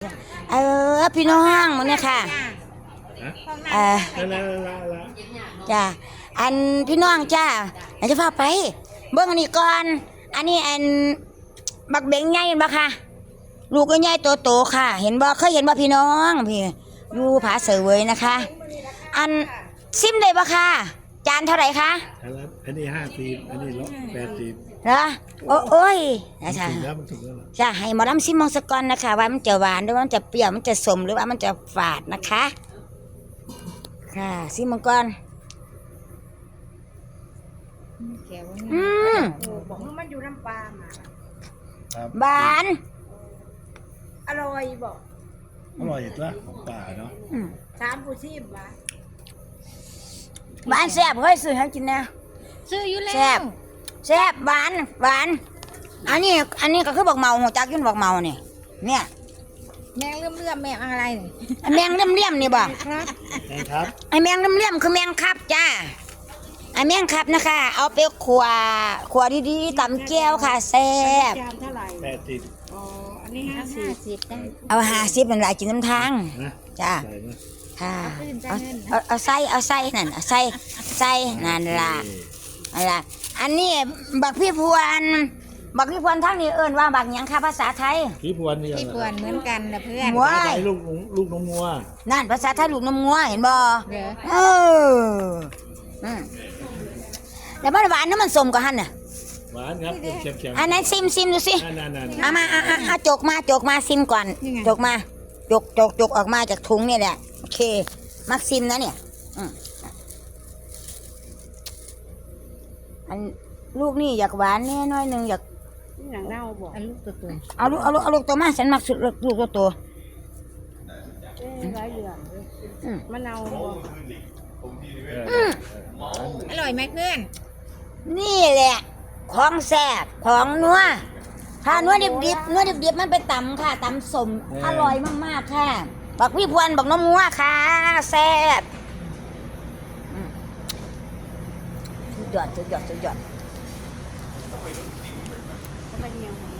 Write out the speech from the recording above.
พี่น้องมึงเนี่ยค่ะจ้าอันพี่น้องจ้าอยากจะพาไปเบิ่งอันนี้ก่อนอันนี้อันบักเบงใหญ่เห็นบ่ค่ะลูกก็ใหญ่โตๆค่ะเห็นบ่เคยเห็นบ่พี่น้องพี่อยู่ผาเสวยนะคะอันซิมได้บ่ค่ะจานเท่าไหร่คะอันนี้50อันนี้180 เหรอโอ้ยนะจ๊ะมันถูกแล้วจะให้หมอลำซิมมองสกอนนะคะว่ามันจะหวานหรือว่ามันจะเปรี้ยวมันจะสมหรือว่ามันจะฝาดนะคะค่ะซิมมังกรบอกว่ามันอยู่น้ำปลามาครับหวานอร่อยบอกอร่อยตัวของป่าเนาะสามผู้ชีพวะหวานแซ่บเฮ้ยซื้อให้กินนะซื้ออยู่แล้วแซ่บหวานอันนี้ก็คือบักเมาหัวจักยุ่นบักเมาเนี่ยแมงเลื่อมแมงอะไรแมงเลี่ยมนี่บ่ครับไอแมงเลี่ยมคือแมงคับจ้าไอแมงคับนะคะเอาไปขัวดีๆตำแก้วค่ะแซ่บจานเท่าไหร่ 80 อ๋ออันนี้50ได้เอา50มันหลายกินน้ำทางจ้าค่ะเอาใส่นั่นใส่นั่นล่ะอันนี้บักพี่พวนทั้งนี้เอิ้นว่าบักหยังค่ะภาษาไทยพี่พวนนี่พี่พวนเหมือนกันนะเพื่อนว้ายลูกนมงัวนั่นภาษาไทยลูกนมงัวเห็นบ่แล้วมันหวานน้ำมันสมกับหั่นน่ะหวานครับเค็มอันนั้นซิมดูสิเอามาจกมาซิมก่อนจกออกมาจากถุงนี่แหละโอเคมักซิมนะเนี่ยอันลูกนี่อยากหวานแน่น้อยนึงอยากอย่างเน่าบอกลูกตัวเอาลูกตัวมาฉันมักสุดลูกตัวร้อยเหลืองมะนาวอร่อยไหมเพื่อนนี่แหละของแซ่บของนัวถ้านัวดิบมันไปตำค่ะตำสมอร่อยมากๆค่ะบักพี่พวนบักน้ำงัวค่ะแซ่บสุดยอด